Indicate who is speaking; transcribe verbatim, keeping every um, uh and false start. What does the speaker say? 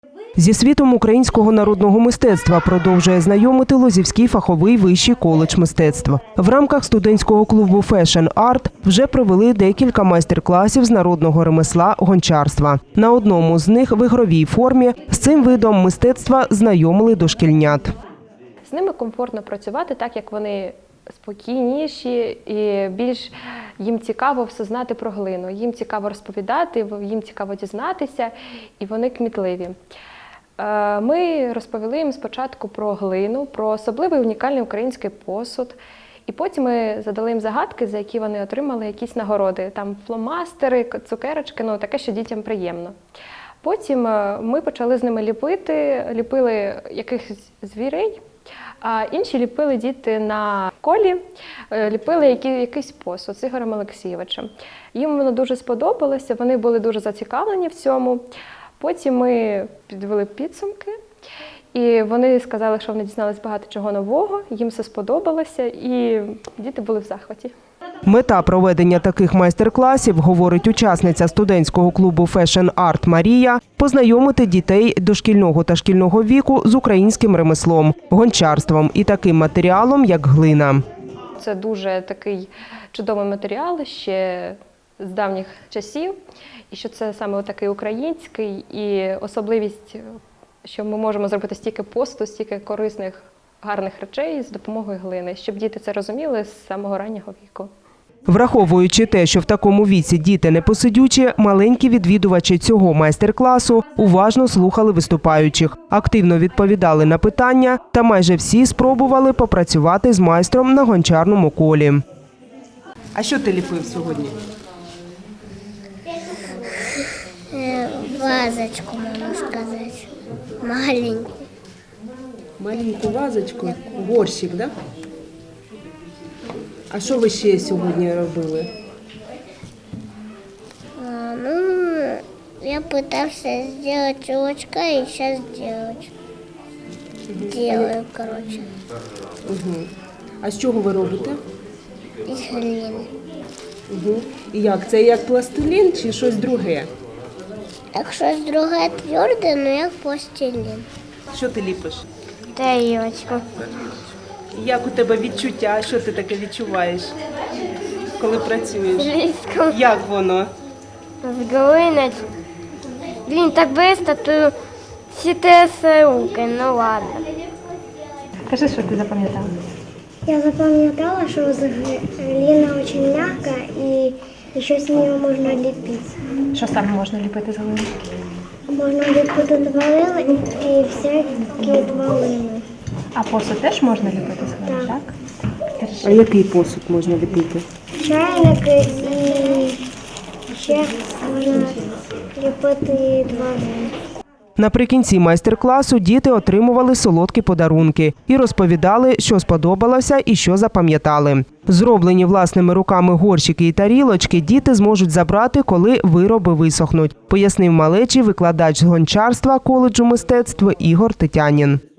Speaker 1: Зі світом українського народного мистецтва продовжує знайомити Лозівський фаховий вищий коледж мистецтв. В рамках студентського клубу Fashion Art вже провели декілька майстер-класів з народного ремесла гончарства. На одному з них в ігровій формі з цим видом мистецтва знайомили дошкільнят.
Speaker 2: З ними комфортно працювати, так як вони спокійніші і більш їм цікаво все знати про глину. Їм цікаво розповідати, їм цікаво дізнатися, і вони кмітливі. Ми розповіли їм спочатку про глину, про особливий унікальний український посуд. І потім ми задали їм загадки, за які вони отримали якісь нагороди. Там фломастери, цукерочки, ну таке, що дітям приємно. Потім ми почали з ними ліпити, ліпили якихось звірей, а інші ліпили діти на колі, ліпили якийсь посуд з Ігорем Олексійовичем. Їм воно дуже сподобалося, вони були дуже зацікавлені в цьому. Потім ми підвели підсумки, і вони сказали, що вони дізналися багато чого нового, їм все сподобалося, і діти були в захваті.
Speaker 1: Мета проведення таких майстер-класів, говорить учасниця студентського клубу Fashion Art Марія, познайомити дітей дошкільного та шкільного віку з українським ремеслом, гончарством і таким матеріалом, як глина.
Speaker 2: Це дуже такий чудовий матеріал ще з давніх часів, і що це саме такий український, і особливість, що ми можемо зробити стільки посту, стільки корисних, гарних речей з допомогою глини, щоб діти це розуміли з самого раннього віку.
Speaker 1: Враховуючи те, що в такому віці діти непосидючі, маленькі відвідувачі цього майстер-класу уважно слухали виступаючих, активно відповідали на питання та майже всі спробували попрацювати з майстром на гончарному колі. А що ти ліпив сьогодні?
Speaker 3: Вазочку, можна сказати, маленьку.
Speaker 1: Маленьку вазочку, горщик, так? А що ви ще сьогодні робили?
Speaker 3: А, ну, я пытался сделать чулочка и сейчас делать. Делаю, короче.
Speaker 1: Угу. А з чого ви робите?
Speaker 3: Із глини.
Speaker 1: Угу. І як? Це як пластилін чи щось друге?
Speaker 3: Так щось друге тверде, ну як пластилін.
Speaker 1: Що ти ліпиш?
Speaker 3: Тарілочку.
Speaker 1: Як у тебе відчуття? Що ти таке відчуваєш, коли працюєш?
Speaker 3: Близько.
Speaker 1: Як воно?
Speaker 3: З глини. Блін, так швидко, то всі трясе руки, ну ладно.
Speaker 4: Кажи, що ти запам'ятала?
Speaker 5: Я запам'ятала, що глина дуже м'яка і ще з нею можна ліпити.
Speaker 4: Що саме можна ліпити з глини?
Speaker 5: Можна ліпити тварини і всякі тварини.
Speaker 4: А посуд теж можна ліпити з глини,
Speaker 5: Так.
Speaker 4: так?
Speaker 1: А який посуд можна ліпити?
Speaker 5: Чайники і ще можна ліпити тварини.
Speaker 1: Наприкінці майстер-класу діти отримували солодкі подарунки і розповідали, що сподобалося і що запам'ятали. Зроблені власними руками горщики і тарілочки діти зможуть забрати, коли вироби висохнуть, пояснив малечі викладач з гончарства коледжу мистецтв Ігор Тетянін.